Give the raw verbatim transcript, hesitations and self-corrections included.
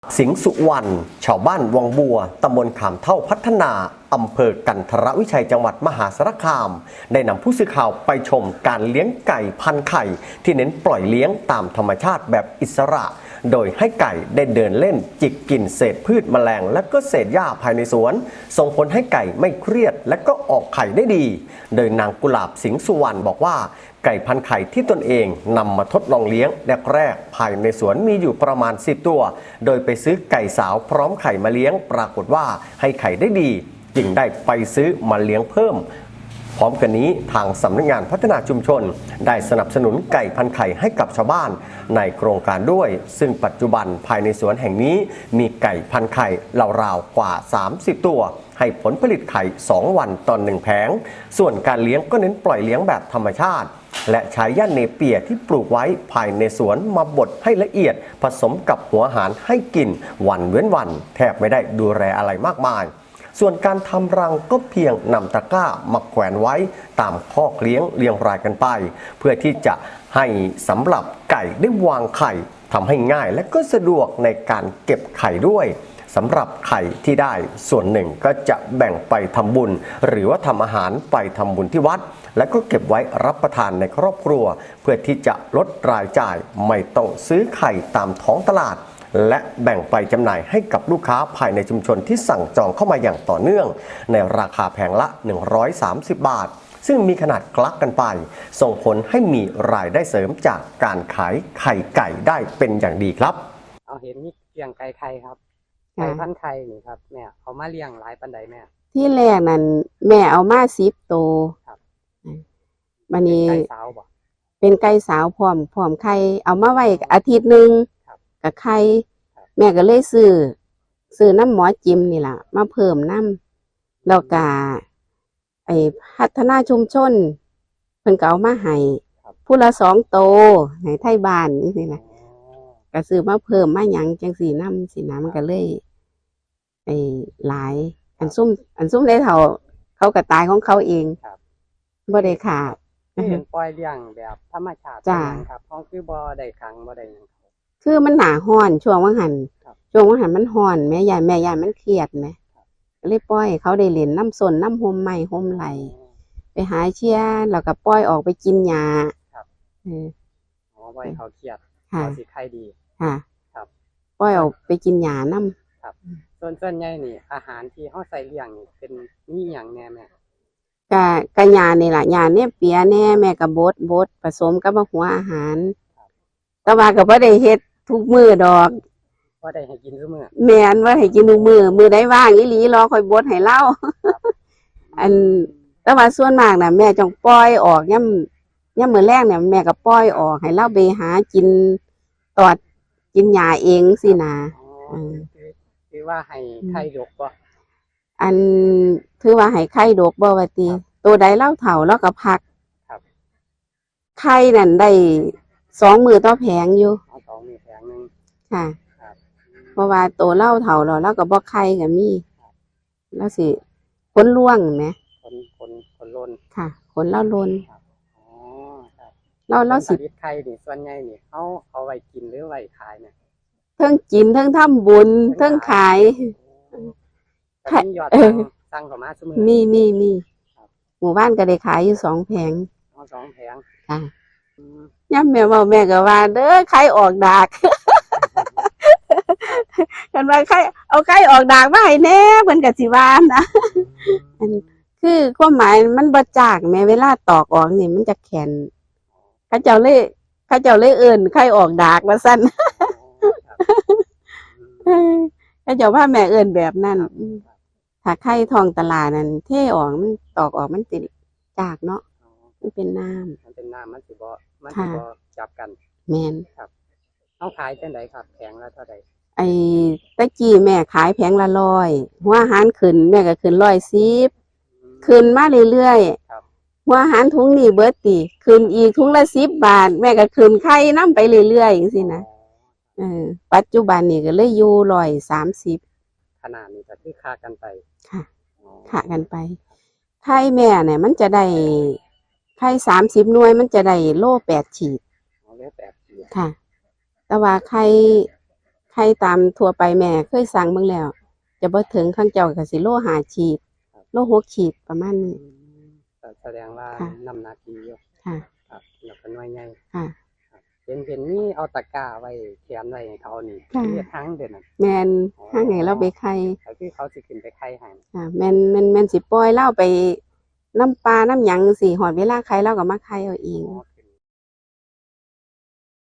สิงห์สุวรรณชาวบ้านวังบัวตำบลขามเท่าพัฒนาอำเภอกันทรวิชัยจังหวัดมหาสารคามได้นำผู้สื่อข่าวไปชมการเลี้ยงไก่พันไข่ที่เน้นปล่อยเลี้ยงตามธรรมชาติแบบอิสระโดยให้ไก่ได้เดินเล่นจิกกินเศษพืชแมลงและก็เศษหญ้าภายในสวนส่งผลให้ไก่ไม่เครียดและก็ออกไข่ได้ดีโดยนางกุหลาบสิงห์สุวรรณบอกว่าไก่พันไข่ที่ตนเองนำมาทดลองเลี้ยงแรกๆภายในสวนมีอยู่ประมาณสิบตัวโดยไปซื้อไก่สาวพร้อมไข่มาเลี้ยงปรากฏว่าให้ไข่ได้ดีจึงได้ไปซื้อมาเลี้ยงเพิ่มพร้อมกันนี้ทางสำนักงานพัฒนาชุมชนได้สนับสนุนไก่พันไข่ให้กับชาวบ้านในโครงการด้วยซึ่งปัจจุบันภายในสวนแห่งนี้มีไก่พันไข่ราวๆกว่าสามสิบตัวให้ผลผลิตไข่สองวันต่อหนึ่งแผงส่วนการเลี้ยงก็เน้นปล่อยเลี้ยงแบบธรรมชาติและใช้หญ้าเนเปียที่ปลูกไว้ภายในสวนมาบดให้ละเอียดผสมกับหัวอาหารให้กินวันเว้นวันแทบไม่ได้ดูแลอะไรมากมายส่วนการทำรังก็เพียงนำตะกร้ามาแขวนไว้ตามคอกเลี้ยงเรียงรายกันไปเพื่อที่จะให้สำหรับไก่ได้วางไข่ทำให้ง่ายและก็สะดวกในการเก็บไข่ด้วยสำหรับไข่ที่ได้ส่วนหนึ่งก็จะแบ่งไปทำบุญหรือว่าทำอาหารไปทำบุญที่วัดและก็เก็บไว้รับประทานในครอบครัวเพื่อที่จะลดรายจ่ายไม่ต้องซื้อไข่ตามท้องตลาดและแบ่งไปจำหน่ายให้กับลูกค้าภายในชุมชนที่สั่งจองเข้ามาอย่างต่อเนื่องในราคาแผงละหนึ่งร้อยสามสิบบาทซึ่งมีขนาดคลักกันไปส่งผลให้มีรายได้เสริมจากการขายไข่ไก่ได้เป็นอย่างดีครับเอาเห็นมีเลี้ยงไก่ไข่ครับไก่พันไข่นี่ครับแม่เขามาเลี้ยงหลายปันใดแม่ที่แรกนั่นแม่เอามาสิบตัวครับวันนี้ไก่สาวบ่เป็นไก่สาวพร้อมพร้อมไข่เอามาไว้อาทิตย์หนึ่งกับไข่แม่ก็เลยซื้อซื้อน้ำหมอจิมนี่แหละมาเพิ่มน้ำแล้วก็ไอ้พัฒนาชุมชนเพิ่นก็เอามาให้ผู้ละสองโตให้ไทยบ้านนี่สินะก็ซื้อมาเพิ่มมาหยังจังสีน้ำสีน้ำมันก็เลยไอ้หลายอันซุ่มอันซุ่มได้เท่าเขากระตายของเขาเองบ่ได้ขาดเป็นปล่อยเลี้ยงแบบธรรมชาติครับห้องคือบ่ได้ขังบ่ได้หยังคือมันหนาห้อนช่วงว่างหันช่วงว่างหันมันห้อนแม่ยายแม่ยายมันเครียดไหมก็เลยปล่อยเขาได้เล่นน้ำสนน้ำหอมใหม่หอมไหลไปหาเชี่ยแล้วก็ปล่อยออกไปกินยาครับอ๋อปล่อยเขาเครียดเขาสิไข้ดีค่ะครับปล่อยออกไปกินยาน้ำครับส่วนส่วนใหญ่นี่อาหารที่เขาใส่เลี้ยงนี่เป็นนี่อย่างแน่แม่กะกะยานี่แหละยาเนี่ยเปียแน่แม่กับบดบดผสมกับหัวอาหารแต่ว่าก็บ่ได้เฮ็ดทุกมื้อดอกว่าได้ให้กินทุกมื้อแม่นว่าให้กินทุกมื้อมื้อใดว่างอีหลีรอค่อยบดให้เล่าอันแต่ว่าส่วนมากน่ะแม่จงปล่อยออกย่ำย่ำมื้อแรกเนี่ยแม่ก็ปล่อยออกให้เล่าไปหากินตอดกินหญ้าเองสินะอือคือว่าให้ไข่ดกบ่อันถือว่าให้ไข่ดกบ่ว่าติตัวใดเล่าเฒ่าแล้วก็พักครับไข่นั่นได้สองมื้อต่อแผงอยู่สองมื้อแผงนึงค่ะเพราะว่าตัวเล่าเฒ่าแล้วแล้วก็บ่ไข่ก็มีแล้วสิขนล่วงแหมขนขนขนลนค่ะขนเล่าลนอ๋อครับเราเราสิไข่นี่ส่วนใหญ่นี่เฮาเอาไว้กินหรือไว้ขายเนี่ยเทิงกินเทิงทำบุญเทิงขายค่ะยอดสั่งเข้ามาซุมื้อมีมีมีหมู่บ้านก็ได้ขายอยู่สองแผงอ๋อสองแผงค่ะย่ำแม่เว้าแม่ก็ว่าเด้อไข่ออกดากกันว่าไข่เอาไข่ออกดากมาให้แน่เพิ่นก็สิว่านะอันคือความหมายมันบ่จากแม้เวลาตอกออกนี่มันจะแข็งเขาเจ้าเลยเขาเจ้าเลยเอิ้นไข่ออกดากว่าซั่นเขาเจ้าว่าแม่เอิ้นแบบนั้นถ้าไข่ทองตลาดนั่นเทออกมันตอกออกมันติดจากเนาะมันเป็นน้ำมันเป็นน้ำมันสิบ่มันสิบ่จับกันแม่นครับเอาขายจังไดครับแผงละเท่าใดไอ้ตะกี้แม่ขายแผงละร้อยหัวอาหารขึ้นแม่ก็ขึ้นร้อยสิบขึ้นมาเรื่อยๆหัวอาหารถุงนี่เบิดติขึ้นอีกถุงละสิบบาทแม่ก็ขึ้นไข่น้ำไปเรื่อยๆอย่างสินะเออปัจจุบันนี่ก็เลยอยู่ร้อยสามสิบขนาดนี้ก็คือค่ากันไปค่ะค่ากันไปไข่แม่เนี่ยมันจะได้ไข่สามสิบหน่วยมันจะได้โลแปดขีดโลแปดขีดค่ะแต่ว่าไข่ไข่ตามทั่วไปแม่เคยสั่งเบิ่งแล้ว จะบ่ถึงข้างเจ้าก็สิโลห้าขีดโลหกขีดประมาณนี้อืมแต่แสดงว่าค่ะน้ำหนักดีอยู่ค่ะครับแล้วก็หน่วยใหญ่ค่ะเห็นเห็นนี่เอาตะกร้าไว้เขียนไว้ให้เขานี่ค่ะเรียกทั้งเด่นน่ะแม่นห้างให้เราไปไข่ก็คือเขาสิขึ้นไปไข่ให้ค่ะแม่นแม่นแม่นสิปล่อยเราไปน้ำปลาน้ำหยังสิหอดเวลาไข่เราก็มาไข่เอาเองอ๋อ